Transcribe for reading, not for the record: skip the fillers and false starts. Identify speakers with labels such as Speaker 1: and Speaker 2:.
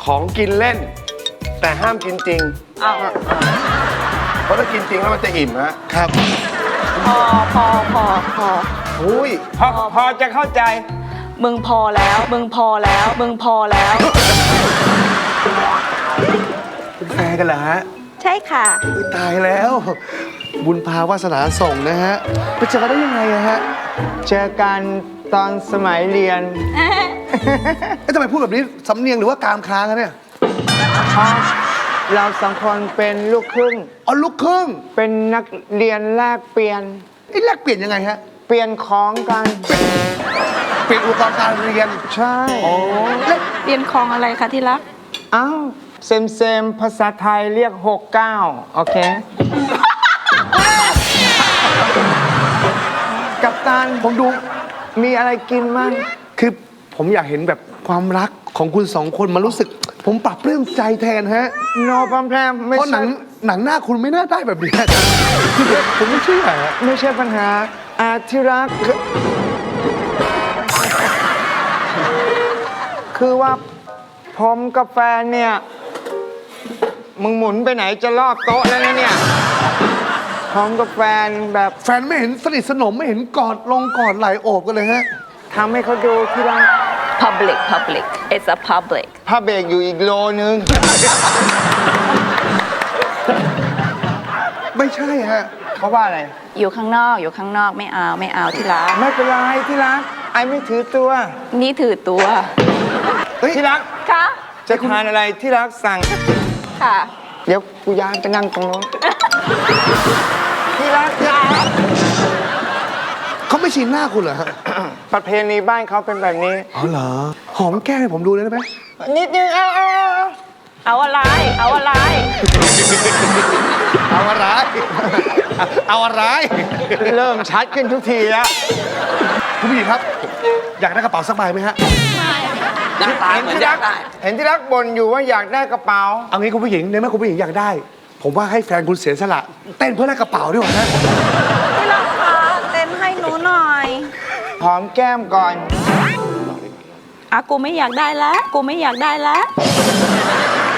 Speaker 1: ของกินเล่น แต่ห้ามกินจริง
Speaker 2: อ้าว
Speaker 1: เพราะถ้ากินจริงแล้วมันจะอิ่มฮะครับ
Speaker 2: พอ
Speaker 1: อุ้ย
Speaker 3: พอจะเข้าใจ
Speaker 2: มึงพอแล้วมึงพอแล้วมึงพอแล้ว
Speaker 1: เป็นแฟนกันเหรอฮะ
Speaker 2: ใช่ค่ะ
Speaker 1: อุ๊ยตายแล้ว บุญพาวาสนาส่งนะฮะไปเจอกันได้ยังไงอะฮะ
Speaker 3: เจอกันตอนสมัยเรียน
Speaker 1: เอ๊ะทำไมพูดแบบนี้สำเนียงหรือว่ากามค้างอะเนี่ย
Speaker 3: เพราะเราสองคนเป็นลูกครึ่ง
Speaker 1: อ๋อลูกครึ่ง
Speaker 3: เป็นนักเรียนแลกเปลี่ยน
Speaker 1: ไอ้แลกเปลี่ยนยังไงฮะ
Speaker 3: เปลี่ยนของกัน
Speaker 1: เปลี่ยนอุปกรณ์การเรียน
Speaker 3: ใช่
Speaker 1: แล้ว
Speaker 2: เรียนคลองอะไรคะที่รัก
Speaker 3: อ้าวเซมภาษาไทยเรียก 69 โอเค กัปตัน
Speaker 1: ผมดู
Speaker 3: มีอะไรกินมั้ง
Speaker 1: คือผมอยากเห็นแบบความรักของคุณสองคนมันรู้สึก ผมปรับปลื้มใจแทนฮะ
Speaker 3: โนปัมแพรมไม่
Speaker 1: เพราะหนั
Speaker 3: ใช่
Speaker 1: งหน้าคุณไม่น่าได้แบบนี้คือผมไม่เชื่อฮะ
Speaker 3: ไม่ใช่ปัญหาที่รักคือว่าผมกับแฟนเนี่ย มึงหมุนไปไหนจะรอบโต๊ะแล้วนะเนี่ยผมกับแฟนแบบ
Speaker 1: แฟนไม่เห็นสนิทสนมไม่เห็นกอดลงกอดไหลโอบกันเลยฮะ
Speaker 3: ทำให้เขาดูที่รัก
Speaker 2: public it's a public
Speaker 3: ผ้าเบรกอยู่อีกโลนึง
Speaker 1: ไม่ใช่ฮะ
Speaker 3: เขาว่าอะไร
Speaker 2: อยู่ข้างนอกไม่เอาที่รัก
Speaker 3: ไม่เป็นไรที่รัก ไอไม่ถือตัว
Speaker 2: นี่ถือตัว
Speaker 3: ที่รัก
Speaker 2: ค่ะ
Speaker 3: จะทานอะไรที่รักสั่ง
Speaker 2: ค่ะ
Speaker 3: เดี๋ยวกูย้ายไปนั่งตรงโน้น ที่รัก
Speaker 1: เขาไม่ชินหน้าคุณเหรอฮะ
Speaker 3: ประเพณีบ้านเขาเป็นแบบนี้
Speaker 1: อ๋อเหรอ หอมแก้มให้ผมดูเลยได้ไหม
Speaker 3: นิดนึงเอา
Speaker 2: เอาอะไร
Speaker 1: เอาอะไร เอาอะไร
Speaker 3: เริ่มชัดขึ้นทุกทีแล้ว
Speaker 1: คุณผู้หญิงครับ อยากได้กระเป๋าสักใบไหมฮะ
Speaker 3: เห็นที่รักบ่นอยู่ว่าอยากได้กระเป๋า
Speaker 1: เอางี้คุณผู้หญิงในเมื่อคุณผู้หญิงอยากได้ ผมว่าให้แฟนคุณเสียสละ เต้นเพื่อได้กระเป๋าดีกว่านะ
Speaker 2: ที่รักคะเต้นให้หนูหน่อย
Speaker 3: หอมแก้มก่อน
Speaker 2: อ่ะกูไม่อยากได้แล้ว